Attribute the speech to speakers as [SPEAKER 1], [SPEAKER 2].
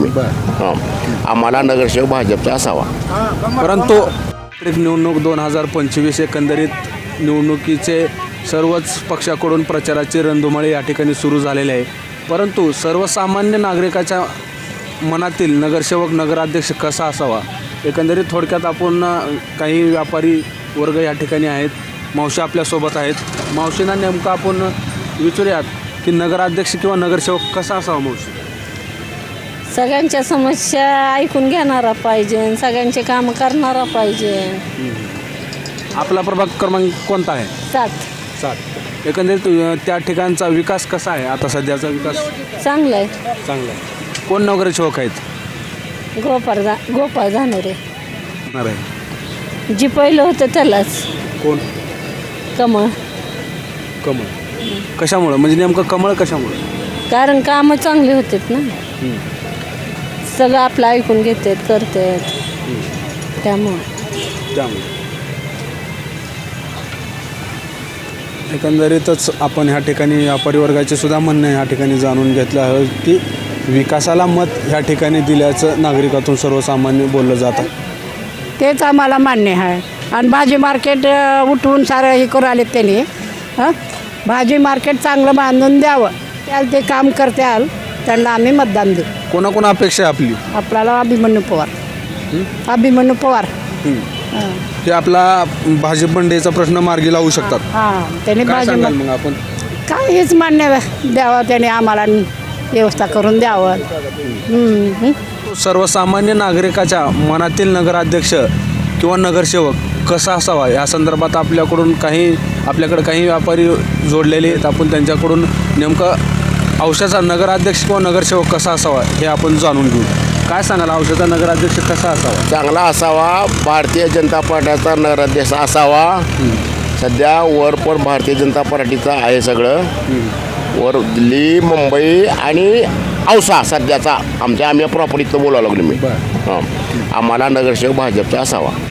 [SPEAKER 1] मी. आम्हाला नगरसेवक भाजपचा असावा.
[SPEAKER 2] परंतु निवडणूक 2025 एकंदरीत निवडणुकीचे सर्वच पक्षाकडून प्रचाराची रणधुमाळी या ठिकाणी सुरू झालेली आहे. परंतु सर्वसामान्य नागरिकाच्या मनातील नगरसेवक नगराध्यक्ष कसा असावा, एकंदरीत थोडक्यात आपण काही व्यापारी वर्ग या ठिकाणी आहेत. मावशी आपल्यासोबत आहेत. मावशींना नेमकं आपण विचारूयात की नगराध्यक्ष किंवा नगरसेवक कसा असावा. मावशी,
[SPEAKER 3] सगळ्यांच्या समस्या ऐकून घेणारा पाहिजे, सगळ्यांचे काम करणारा पाहिजे.
[SPEAKER 2] आपला प्रभाग क्रमांक कोणता आहे?
[SPEAKER 3] 7.
[SPEAKER 2] एकंदरीत त्या ठिकाणचा विकास कसा आहे? आता सध्याचा विकास
[SPEAKER 3] चांगलं आहे.
[SPEAKER 2] चांगला आहे. कोण नगरसेवक आहेत?
[SPEAKER 3] गोपाळ झाणारे.
[SPEAKER 2] होणार आहे.
[SPEAKER 3] जी पहिलं होतं त्यालाच.
[SPEAKER 2] कोण?
[SPEAKER 3] कमळ.
[SPEAKER 2] कमळ. कशामुळं, म्हणजे नेमकं कमळ कशामुळं?
[SPEAKER 3] कारण कामं चांगली होतात ना, सगळं आपलं ऐकून घेतात, करतात, त्यामुळं.
[SPEAKER 2] एकंदरीतच आपण ह्या ठिकाणी व्यापारी वर्गाचे सुद्धा म्हणणं ह्या ठिकाणी जाणून घेतलं आहे की विकासाला मत ह्या ठिकाणी दिल्याचं नागरिकातून सर्वसामान्य बोललं जातं.
[SPEAKER 4] तेच आम्हाला मान्य आहे. आणि भाजी मार्केट उठवून सारं हे करू आले त्यांनी. भाजी मार्केट चांगलं बांधून द्यावं, त्याला ते काम करत्याल त्यांना आम्ही मतदान देऊ.
[SPEAKER 2] कोणाकोणा अपेक्षा आहे आपली?
[SPEAKER 4] आपल्याला अभिमन्यू पवार.
[SPEAKER 2] ते आपला भाजी मंडईचा प्रश्न मार्गी लावू शकतात.
[SPEAKER 4] त्यांनी
[SPEAKER 2] काय
[SPEAKER 4] भाजी
[SPEAKER 2] सांगाल मग आपण?
[SPEAKER 4] काय हेच मान्य द्यावं, त्याने आम्हाला व्यवस्था करून द्यावं.
[SPEAKER 2] सर्वसामान्य नागरिकाच्या मनातील नगराध्यक्ष किंवा नगरसेवक कसा असावा या संदर्भात आपल्याकडे काही व्यापारी जोडलेले आहेत. आपण त्यांच्याकडून नेमकं औषधाचा नगराध्यक्ष किंवा नगरसेवक कसा असावा हे आपण जाणून घेऊ. काय सांगाल, औषधाचा नगराध्यक्ष कसा असावा?
[SPEAKER 1] चांगला असावा. भारतीय जनता पार्टीचा नगराध्यक्ष असावा. सध्या वर पण भारतीय जनता पार्टीचं आहे सगळं. वर दिल्ली, मुंबई आणि औसा सध्याचा आम्ही प्रॉपर्टीचं बोलावं लागलो मी. आम्हाला नगरसेवक भाजपचा असावा.